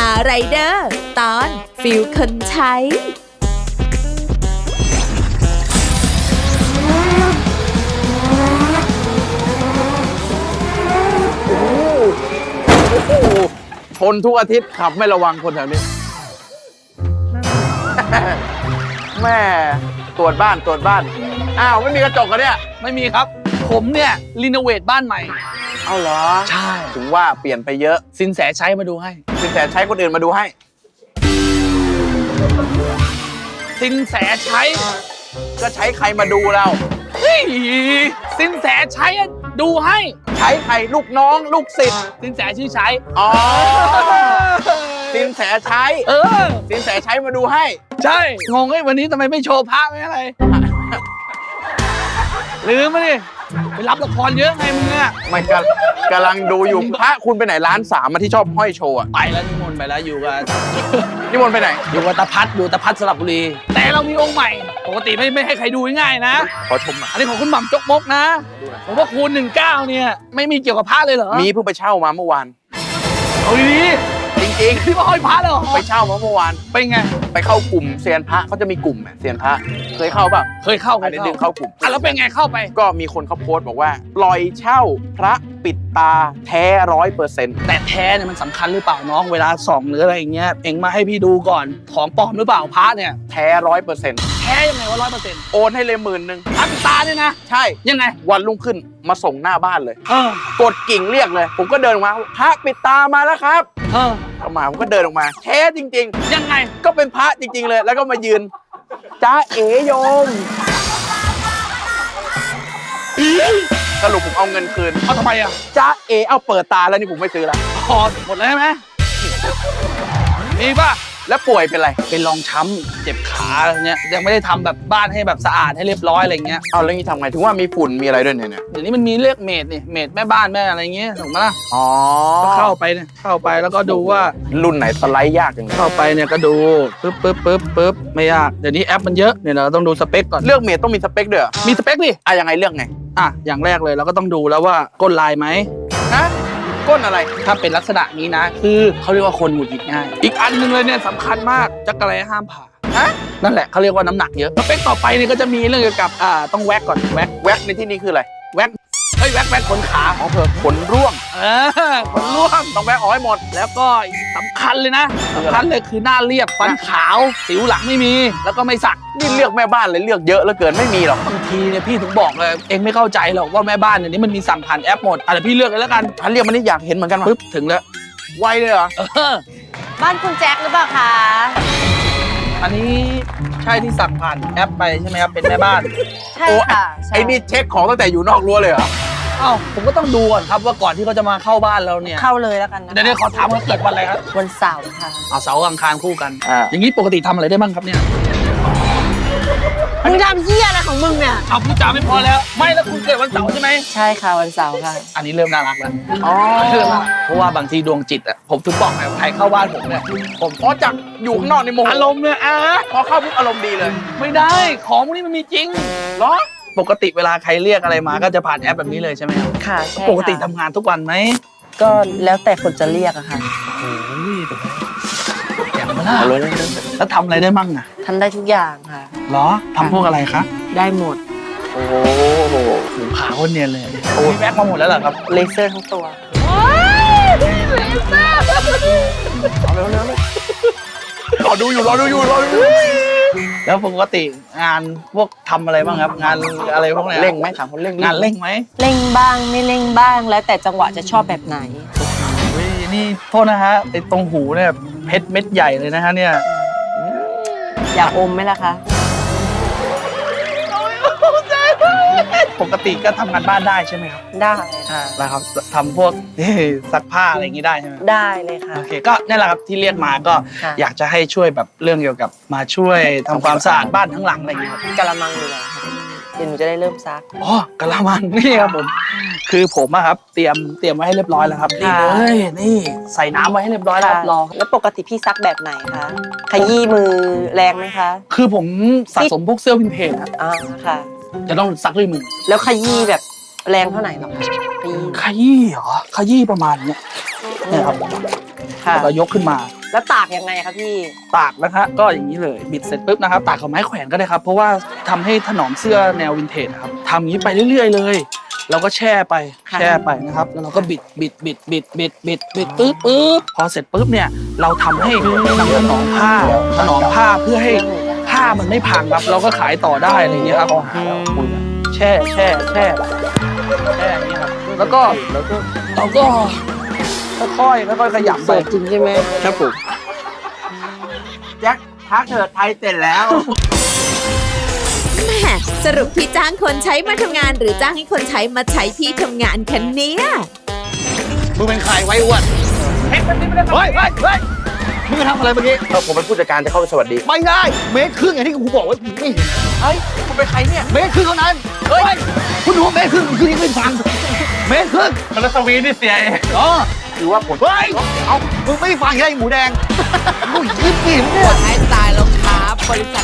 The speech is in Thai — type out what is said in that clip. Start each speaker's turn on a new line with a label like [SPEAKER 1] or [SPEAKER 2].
[SPEAKER 1] ไรเดอร์ตอนฟิลคนใช้
[SPEAKER 2] ชนทุกอาทิตย์ขับไม่ระวังคนแถวนี้ แม่ตรวจบ้านอ้าวไม่มีกระจกกันเนี่ย
[SPEAKER 3] ไม่มีครับผมเนี่ยรีโนเวทบ้านใหม่
[SPEAKER 2] เอาเหรอ
[SPEAKER 3] ใช่
[SPEAKER 2] ถึงว่าเปลี่ยนไปเยอะ
[SPEAKER 3] สินแสใช้มาดูให้
[SPEAKER 2] สินแสใช้คนอื่นมาดูให้
[SPEAKER 3] สินแสใช้
[SPEAKER 2] ก็ใช้ใครมาดูเรา
[SPEAKER 3] เฮ้ยสินแสใช้อะดูให้
[SPEAKER 2] ใช้ใครลูกน้องลูกศิษย์
[SPEAKER 3] สินแสชื่อใช้
[SPEAKER 2] อ๋อสินแสใช้
[SPEAKER 3] เออ
[SPEAKER 2] สินแสใช้มาดูให้
[SPEAKER 3] ใช่งงไอ้วันนี้ทำไมไม่โชว์พระไม่อะไรลืมมาดิไปรับละครเยอะไงมึงอะ
[SPEAKER 2] ไม่กำลังดูอยู่พระคุณไปไหนร้านสามมาที่ชอบห้อยโชว์อะ
[SPEAKER 3] ไปแล้วนิมนต์ไปแล้วอยู่กับ
[SPEAKER 2] นิมนต์ไปไหน
[SPEAKER 3] อยู่กับตาพัดอยู่ตาพัดสระบุรี แต่เรามีองค์ใหม่ปกติไม่ให้ใครดูง่ายๆนะ
[SPEAKER 2] ขอชมหน่อย
[SPEAKER 3] อันนี้ของคุณหม่ำจกมกนะผมว่าคูณ19เนี่ยไม่มีเกี่ยวกับพระเลยเหรอ
[SPEAKER 2] มีเพิ่งไปเช่ามาเมื่อวาน
[SPEAKER 3] เอาดี
[SPEAKER 2] จริง
[SPEAKER 3] ๆที่ว่าห้อยพระเลยเหรอ
[SPEAKER 2] ๆ ไปเช่ามาเมื่อวาน
[SPEAKER 3] เป็นไง
[SPEAKER 2] ไปเข้ากลุ่มเซียนพระเขาจะมีกลุ่มเซียนพระเคยเข้าป่ะ
[SPEAKER 3] เคยเข้า
[SPEAKER 2] อันนี้ดึงเข้ากลุ่ม
[SPEAKER 3] อ่ะแล้วเป็นไงเข้าไป
[SPEAKER 2] ก็มีคนเขาโพสต์บอกว่าปล่อยเช่าพระปิดตาแท้100%
[SPEAKER 3] แต่แท้เนี่ยมันสำคัญหรือเปล่าน้องเวลาส่องหรืออะไรอย่างเงี้ยเอ็งมาให้พี่ดูก่อนของปลอมหรือเปล่าพระเนี่ย
[SPEAKER 2] แท้100%
[SPEAKER 3] แท้ยังไงว่า100%
[SPEAKER 2] โอนให้เลย10,000
[SPEAKER 3] พระปิดตาเนี่ยนะ
[SPEAKER 2] ใช่
[SPEAKER 3] ยังไง
[SPEAKER 2] วันรุ่งขึ้นมาส่งหน้าบ้านเลย
[SPEAKER 3] เออก
[SPEAKER 2] ดกิ่งเรียกเลย ผมก็เดินออกมาพระปิดตามาแล้วครับ
[SPEAKER 3] เออ
[SPEAKER 2] เข้ามาผมก็เดินออกมาแท้จริง
[SPEAKER 3] ยังไง
[SPEAKER 2] ๆ ก็เป็นพระจริง ๆ เลย แล้วก็มายืนจ้าเอ๋โยมสรุปผมเอาเงินคืน
[SPEAKER 3] เอาทำไมอ่ะ
[SPEAKER 2] จ้าเอ๋เอาเปิดตาแล้วนี่ผมไม่ซื้อละ
[SPEAKER 3] พอหมดแล้วใช่ไหมมีป่ะ
[SPEAKER 2] แล้วป่วยเป็นไร
[SPEAKER 3] เป็นรองช้ำเจ็บขาเนี่ยยังไม่ได้ทำแบบบ้านให้แบบสะอาดให้เรียบร้อยอะไรเงี้ย
[SPEAKER 2] เอาแล้วนี่ทำไงถึงว่ามีฝุ่นมีอะไรด้วยเนี่ย
[SPEAKER 3] เดี๋ยวนี้มันมีเรียกเมดนี่เมดแม่บ้านแม่อะไรเงี้ยถูกไหมล่ะ
[SPEAKER 2] อ๋อ
[SPEAKER 3] ก็เข้าไปเนี่ยเข้าไปแล้วก็ดูว่า
[SPEAKER 2] รุ่นไหนสไลด์ยากจังเลย
[SPEAKER 3] เข้าไปเนี่ยก็ดูปึ๊บไม่ยากเดี๋ยวนี้แอปมันเยอะเนี่ยเราต้องดูสเปคก่อน
[SPEAKER 2] เลือกเมดต้องมีสเปคด้วยเหรอ
[SPEAKER 3] มีสเปคดิ
[SPEAKER 2] ยังไงเลือกไง
[SPEAKER 3] อ่ะอย่างแรกเลยเราก็ต้องดูแล้วว่าก้นลายไหม
[SPEAKER 2] ฮะก้นอะไร
[SPEAKER 3] ถ้าเป็นลักษณะนี้นะ คือเขาเรียกว่าคนหงุดหงิดง่าย อีกอันหนึงเลยเนี่ยสำคัญมากจักรแลห้ามผ่า
[SPEAKER 2] ฮะ
[SPEAKER 3] นั่นแหละเขาเรียกว่าน้ำหนักเยอะสเปคต่อไปเนี่ยก็จะมีเรื่องเกี่ยวกับต้องแว็กก่อนแว็ก
[SPEAKER 2] แว็กในที่นี้คืออะไร
[SPEAKER 3] แว็กเฮ้ยแว็กขนขา
[SPEAKER 2] อ๋อเผื่อขนร่วง
[SPEAKER 3] ขนร่วง
[SPEAKER 2] ต้องแว็กออกให้หมด
[SPEAKER 3] แล้วก็สำคัญเลยนะสำคัญเลยคือหน้าเรียบฟันขาวสิวหลังไม่มี แล้วก็ไม่สัก
[SPEAKER 2] นี่เลือกแม่บ้านเลยเลือกเยอะเหลือเกินไม่มีหรอก
[SPEAKER 3] บางทีเนี่ยพี่ถึงบอกเลยเองไม่เข้าใจหรอกว่าแม่บ้านเนี่ยนี่มันมีสั่งผ่านแอปหมดเดี๋ยวพี่เลือกเลยแล้วกัน
[SPEAKER 2] ฉันเรียกมันนี่อยากเห็นเหมือนกันว่ะ
[SPEAKER 3] ปึ๊บถึงแล้ว
[SPEAKER 2] ไวเลยเหรอ
[SPEAKER 1] บ้านคุณแจ็คหรือเปล่าคะ
[SPEAKER 3] อันนี้ใช่ที่สั่งผ่านแอปไปใช่ไหมครับเป็นแม่บ้าน
[SPEAKER 1] ใช่ค่ะใช่
[SPEAKER 2] ไอ้นี่เช็คของตั้งแต่อยู่นอกรั้วเลยเหรอ
[SPEAKER 3] อ้าวผมก็ต้องดูก่อนครับว่าก่อนที่เขาจะมาเข้าบ้านเราเนี่ย
[SPEAKER 1] เข้าเลยแล้วกันนะ
[SPEAKER 3] เดี๋ยวขอถามว่าเกิดวันอะไรครับ
[SPEAKER 1] วันเสาร์ค่ะ
[SPEAKER 3] เอาเสาร์อังคารคู่กัน
[SPEAKER 2] อ่า
[SPEAKER 3] อย่างนี้ปกติทำอะไรได้บ้างครับเนี่ย
[SPEAKER 1] มึงทำเหี้ยอะไรของมึงเนี่ย
[SPEAKER 3] เอาพูดจาไม่พอแล้ว ไม่แล้วคุณเกิดวันเสาร์ใช่ไหม
[SPEAKER 1] ใช่ค่ะวันเสาร์ค่ะ
[SPEAKER 3] อันนี้เริ่มน่ารักแล้ว
[SPEAKER 2] อ๋อ
[SPEAKER 3] เริ่มน่ารักเพราะว่าบางทีดวงจิตอ่ะผมถึงบอกไงว่าใครเข้าบ้านผมเนี่ยผม
[SPEAKER 2] อ๋อจากอยู่ข้างนอกในโมโห
[SPEAKER 3] อารมณ์เนี่ย
[SPEAKER 2] พอเข้าปุ๊บอารมณ์ดีเลย
[SPEAKER 3] ไม่ได้ของพวกนี้มันมีจริง
[SPEAKER 2] เหรอ
[SPEAKER 3] ปกติเวลาใครเรียกอะไรมาก็จะผ่านแอปแบบนี้เลยใช่ไหมครับ
[SPEAKER 1] ค่ะใช่
[SPEAKER 3] ปกติ
[SPEAKER 1] ค่ะ
[SPEAKER 3] ทำงานทุกวันไหม
[SPEAKER 1] ก็แล้วแต่คนจะเรียกอะค่ะ
[SPEAKER 3] โอ้ยอย่างมาล่ะ
[SPEAKER 2] เอาเลย
[SPEAKER 3] แล้วทำอะไรได้มั่งอ่ะ
[SPEAKER 1] ทำได้ทุกอย่างค่ะ
[SPEAKER 3] เหรอทำพวกอะไรคะ
[SPEAKER 1] ได้หมด
[SPEAKER 2] โอ้โห
[SPEAKER 3] หูขาโคนเนียนเลยโอ้ยแว็กมาหมดแล้วเหรอครับ
[SPEAKER 1] เลเซอร์ทั้งตัว
[SPEAKER 2] เอาเร็วรอดูอยู่
[SPEAKER 3] แล้วปกติงานพวกทำอะไรบ้างครับ งานอะไรพวกเนี้ย
[SPEAKER 2] เร่งไหมถามคนเร่ง
[SPEAKER 3] งานเร่งไหม
[SPEAKER 1] เร่งบ้างไม่เร่งบ้าง แล้วแต่จังหวะจะชอบแบบไหน
[SPEAKER 3] เฮ้ยนี่โทษนะฮะไอ้ตรงหูเนี่ยเพชรเม็ดใหญ่เลยนะฮะเนี่ย
[SPEAKER 1] อยากอมไหมล่ะคะ
[SPEAKER 3] ปกติก็ทำงานบ้านได้ใช่ไหมครับ
[SPEAKER 1] ได้ค่ะ
[SPEAKER 3] แล้วครับทำพวกซักผ้าอะไรอย่างนี้ได้ใช่ไหม
[SPEAKER 1] ได้เลยค่ะ
[SPEAKER 3] โอเคก็นี่แหละครับที่เรียกมาก็
[SPEAKER 1] ค่ะ
[SPEAKER 3] อยากจะให้ช่วยแบบเรื่องเกี่ยวกับมาช่วยทำความสะอาดบ้านทั้งหลังอะไรอย่างเงี้ยครับ
[SPEAKER 1] กะละมังอยู่แล้วค่ะเดี๋ยวหนูจะได้เริ่มซัก
[SPEAKER 3] อ๋อกะละมังนี่ครับผมคือผมอะครับเตรียมไว้ให้เรียบร้อยแล้วครับนี่
[SPEAKER 1] ค่ะ
[SPEAKER 3] เลยนี่ใส่น้ำไว้ให้เรียบร้อยแล้วครับรอ
[SPEAKER 1] แล้วปกติพี่ซักแบบไหนคะขยี้มือแรงไหมคะ
[SPEAKER 3] คือผมสะสมพวกเสื้อวินเทจครับ
[SPEAKER 1] อ่าค่ะ
[SPEAKER 3] จะต้องซักด้วยมือ
[SPEAKER 1] แล้วขยี้แบบแรงเท่าไหร่หรอคะขยี้
[SPEAKER 3] ขยี้เหรอขยี้ประมาณเนี้ยเนี่ยครับ
[SPEAKER 1] ค่ะ
[SPEAKER 3] แล้วก็ยกขึ้นมา
[SPEAKER 1] แล้วตากยังไงครับพี่
[SPEAKER 3] ตากนะคะก็อย่างนี้เลยบิดเสร็จปุ๊บนะครับตากกับไม้แขวนก็ได้ครับ เพราะว่าทำให้ถนอมเสื้อแนววินเทจนะครับทำอย่างนี้ไปเรื่อยๆเลยเราก็แช่ไป
[SPEAKER 1] ค่ะ
[SPEAKER 3] แช่ไปนะครับแล้วเราก็บิดปึ๊บพอเสร็จปุ๊บเนี่ยเราทำให้นำถนอมผ้าเพื่อให้ผ้ามันไม่พังครับเราก็ขายต่อได้อะไรอย่างเงี้ยครับแช่อย่างนี้ครับแล้วก็เราก็ค่อยๆขยำไป
[SPEAKER 1] สดจริงใช่ไหม
[SPEAKER 3] ครับผม
[SPEAKER 2] แจ็คทักเถิดไทยเสร็จแล้ว
[SPEAKER 4] แม่สรุปพี่จ้างคนใช้มาทำงานหรือจ้างให้คนใช้มาใช้พี่ทำงานคะเนี่ย
[SPEAKER 5] มึงเป็นใครไว้อ้วนเฮ้ยมึงจะทำอะไรเมื่อกี้
[SPEAKER 2] ผมเป็นผู้จัดการจะเข้าไปสวัสดี
[SPEAKER 5] ไม่ได้ เมตรครึ่งอย่างที่กูบอกไว้มึงไม่เห็น
[SPEAKER 2] เฮ้ย คุณเป็นใครเนี่ย
[SPEAKER 5] เมตรครึ่งเท่านั้น เฮ้ย คุณรู้ว่าเมตรครึ่งคือยังไม่ฟัง เมตรครึ่ง
[SPEAKER 3] แล้วสวีนี่เสียเอง
[SPEAKER 5] อ๋อ
[SPEAKER 2] หรือว่าผม
[SPEAKER 5] เฮ้ย เอามึงไม่ฟังไงหมูแดงมึงยิ้มดิมึง
[SPEAKER 4] กดให้ตายแล้วครับบริษัท